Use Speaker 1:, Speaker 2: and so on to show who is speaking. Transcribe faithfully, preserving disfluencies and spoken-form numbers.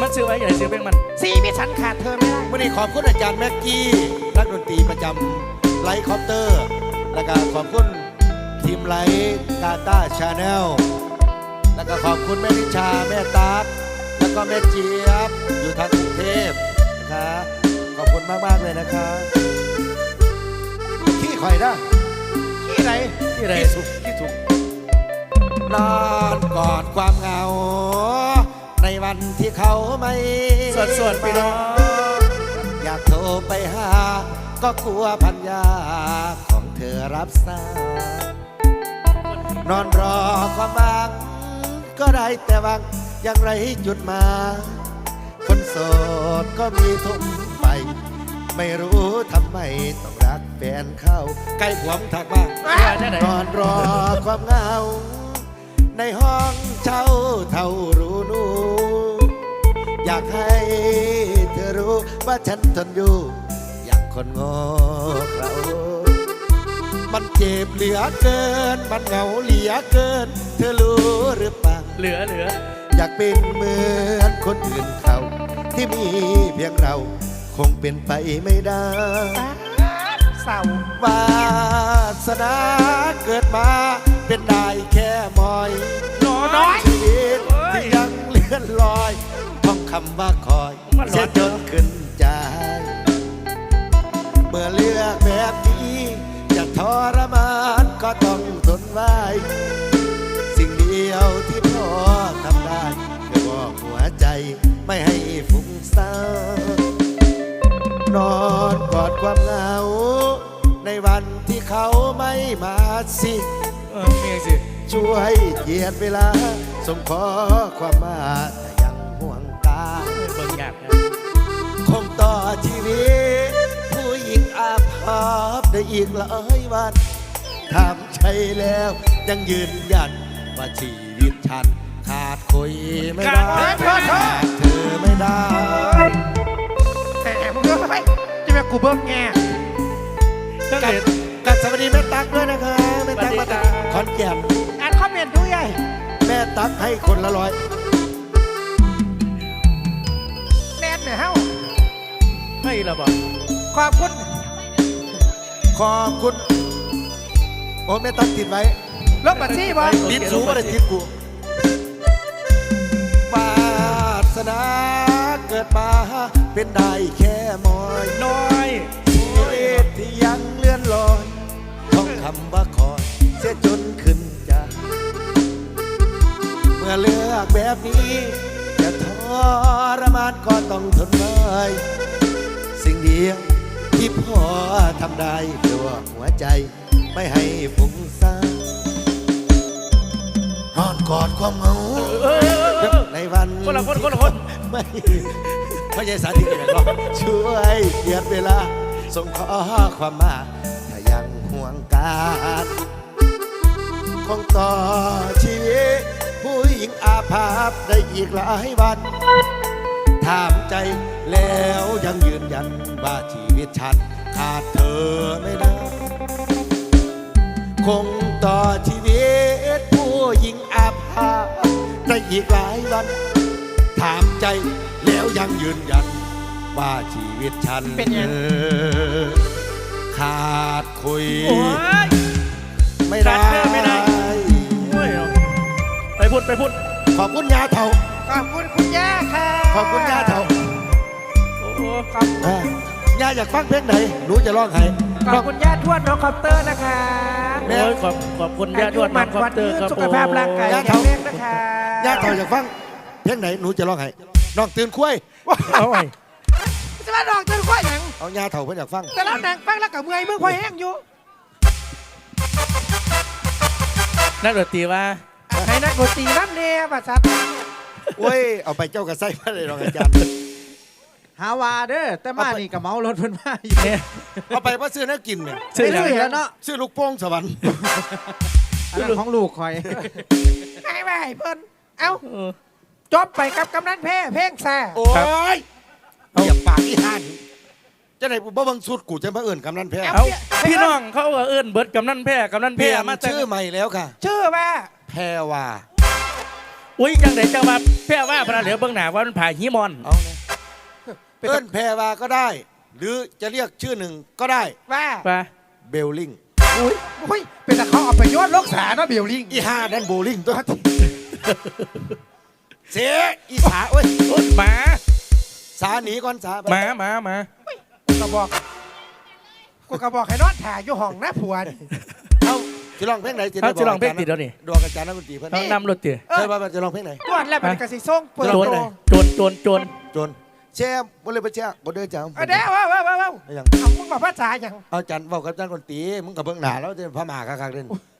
Speaker 1: มันซื้อไว้อย่าซื้อเพลงมัน
Speaker 2: สีมิสันขาดเธอไม่ได้
Speaker 3: วันนี้ขอบคุณอาจารย์แม็กกี้นักดนตรีประจำไลท์คอปเตอร์แล้วก็ขอบคุณทีมไลท์กาตาชาแนลแล้วก็ขอบคุณแม่นิชาแม่ตากแล้วก็แม่เจี๊ยบอยู่ทางกรุงเทพนะคะขอบคุณมากๆเลยนะคะขี้ข่อยนะขี้ไร
Speaker 1: ขี้ไร
Speaker 3: ขี้สุกขี้สุกนอนกอดความเหงาในวันที่เขาไม่
Speaker 1: สวดสวดพี่น้อง
Speaker 3: อยากโทรไปหาก็กลัวพันยาของเธอรับสายนอนรอความหวังก็ได้แต่หวังอย่างไรจุดมาคนโสดก็มีทุ่มไปไม่รู้ทำไมต้องรักแฟนเข้าใกล้ผัวมถักมากนอนรอความเหงาในห้องเช่าเท่ารู้นูอยากให้เธอรู้ว่าฉันทนอยู่อย่างคนโง่เรามันเจ็บเหลือเกินมันเหงาเหลือเกินเธอรู้หรือเปล่า
Speaker 1: เหลือเหลือ
Speaker 3: อยากเป็นเหมือนคนอื่นเขาที่มีเพียงเราคงเป็นไปไม่ได้
Speaker 2: เศร้าว
Speaker 3: าสนาเกิดมาเป็นได้แค่มอย
Speaker 2: น้อย
Speaker 3: ชีวิตที่ยังเลื่อนลอยท่องคำว่าคอยเสียจนขึ้นใจเมื่อเลือกแบบนี้จะทรมานก็ต้องทนไว้สิ่งเดียวที่พ่อทำได้คือบอกหัวใจไม่ให้ฟุ้งซ่านนอนกอดความเหงาในวันที่เขาไม่มาสิ
Speaker 1: เออมีสิ
Speaker 3: ช่วยเหยียดเวลาส่งขอความมาแต่ยังห่วงตา
Speaker 1: เบิ่งยากนะ
Speaker 3: คงต่อชีวิตผู้หญิงอาภัพได้อีกหลายวันถามใช่แล้วยังยืนยันว่าชีวิตฉันขาดคุยไม่ได้ขาดเธอไม่ได้
Speaker 2: แต่มึงเยอะไปจะไปกูเบิ้งแง่
Speaker 3: กัดกัดสวัสดีแม่ตั๊กด้วยนะคะแม่ตั๊กมาจากขอนแก่น
Speaker 2: อ่านคอมเมนต์ด้วยไง
Speaker 3: แม่ตั๊กให้คนละร้อย
Speaker 2: แน่นเนี่ยเฮ้า
Speaker 1: ไม่ละบอก
Speaker 2: ขอบคุณ
Speaker 3: ขอบคุณโอ้แม่ตั๊กติดไว้
Speaker 2: ลบบัตรซี่บอล
Speaker 3: ติดสูงมาได้ติดกูวาสนาเกิดมาเป็นได้แค่มอย
Speaker 1: น้อย
Speaker 3: ชีวิตที่ยังเลื่อนลอยท่องคำว่าคอยเสียจนขึ้นใจเมื่อเลือกแบบนี้จะทรมานก็ต้องทนไว้สิ่งเดียวที่พ่อทำได้เพื่อหัวใจไม่ให้ฟุ้งซ่านนอนกอดความเหงาในวัน
Speaker 1: คนละคนคนละคน
Speaker 3: ไม่ไม่ใช่สาธิตอย่างหรอกช่วยเหยียดเวลาส่งขอความมาถ้ายังห่วงกันคงต่อชีวิตผู้หญิงอาภัพได้อีกหลายวันถามใจแล้วยังยืนยันว่าชีวิตฉันขาดเธอไม่ได้คงต่อชีวิตผู้หญิงอาภัพได้อีกหลายวันถามใจแล้วยังยืนยันว่าชีวิตฉัน
Speaker 2: เป็นยัง
Speaker 3: ขาดคุยไม่
Speaker 1: ได้ไม่ได้ไปพูดไปพูด
Speaker 3: ขอบคุณยาเถา
Speaker 2: ขอบคุณคุณย่าค่ะ
Speaker 3: ขอบคุณยาเถา
Speaker 1: โอ้ขอบ
Speaker 3: ยาอยากฟังเพลงไหนหนูจะร้องให้
Speaker 2: ขอบคุณย่าทวดน้องคอปเตอร์นะคะ
Speaker 1: โอ้ยขอบขอบคุณย่าทวดน้องคอปเตอร์ครับ
Speaker 2: สุขภาพร่างกายแข็งแรงนะคะ
Speaker 3: ยาเถาอยากฟังเพลงไหนหนูจะร้องให้น้องตื่นคุ้ย
Speaker 1: เอาไว้
Speaker 2: จะมาดอกตื่นคุ้ยยัง
Speaker 3: เอายาเถาเพื่อนอยากฟัง
Speaker 2: แต่แล้วนางฟังแล้วกับเมื่อยเมื่อควายแห้งอยู่
Speaker 1: นักดนตรีว่า
Speaker 2: ให้นักดนตรีน้ำเนี่ยภาษา
Speaker 3: โอ้ยเอาไปเจ้ากระไซมาเลยรองอาจารย์
Speaker 2: ฮาวาเด้อแต่มานี่กับเมารถเพิ่นมาอยู่เนี่ย
Speaker 3: เอาไปว่าซื้อนักกินเนี่ย
Speaker 2: ซื้อแล้วเนาะ
Speaker 3: ซื้อลูกโป่งสวรรค์
Speaker 2: อันนั้นของลูกคอยให้ไปให้เพิ่นเอ้าจบไปกับกำนันแพ้เพ่งแซ่
Speaker 3: โอ้ยเหยียบปากที่ห้านจะไหนบ่บังสุดกูจะมาเอื่นกำนันแพ้
Speaker 1: เอาพี่น้องเขาเอื่นเบิดกำนันแพ้กำนันแพ้
Speaker 3: มาชื่อใหม่แล้วค่ะ
Speaker 2: ชื่อว่า
Speaker 3: แพรว่า
Speaker 1: อุ้ยจังไหนจังว่าแพ้ว่าพระเหลือเบื้องหน้าว่ามันผ่าหิมอน
Speaker 3: เอาเนี่ยเอิ้นแพรวาก็ได้ หรือจะเรียกชื่อหนึ่งก็ได้
Speaker 2: ว่า
Speaker 1: ว่า
Speaker 3: เบลลิง
Speaker 2: อุ้ยอุ้ยเป็นแต่เขาเอาไปโยนโลกสาเนาะเบลลิง
Speaker 3: อีห้านั่นโบลิ่งตัวเสียอีสาเว้ย
Speaker 1: โอ๊ยหมา
Speaker 3: สาหนีก่อนสาไป
Speaker 1: หมาหมาหมา
Speaker 2: กูก็บอกกูก็บอกให้นอนถ่ายอยู่ห้องนะผัวนี่
Speaker 3: เอ้าจะลองเพลงไหน
Speaker 1: เขาจะลองเพลงติดแล้วนี่
Speaker 3: ดวงอาจารย์นักดนตรีเพื่อน
Speaker 1: ต้องนำรถติ
Speaker 2: เออ
Speaker 3: ใช่ป่ะจะลองเพลงไหน
Speaker 2: ตรวจแล้วเป็นกระสีส่งเปิด
Speaker 1: โจร
Speaker 2: โต
Speaker 1: เลยโจรโจรโจร
Speaker 3: จนแช่บนเลยไปแช่บนเดินจ้า
Speaker 2: เอาเด้อว้าวว้าวว้าว
Speaker 3: เอาอย่าง
Speaker 2: เอามึงบอกภาษาอย่าง
Speaker 3: เอาจันบอกกับอาจารย์ดนตรีมึงกับเบื้องหน้าแล้วจะพม่าคักๆเด่น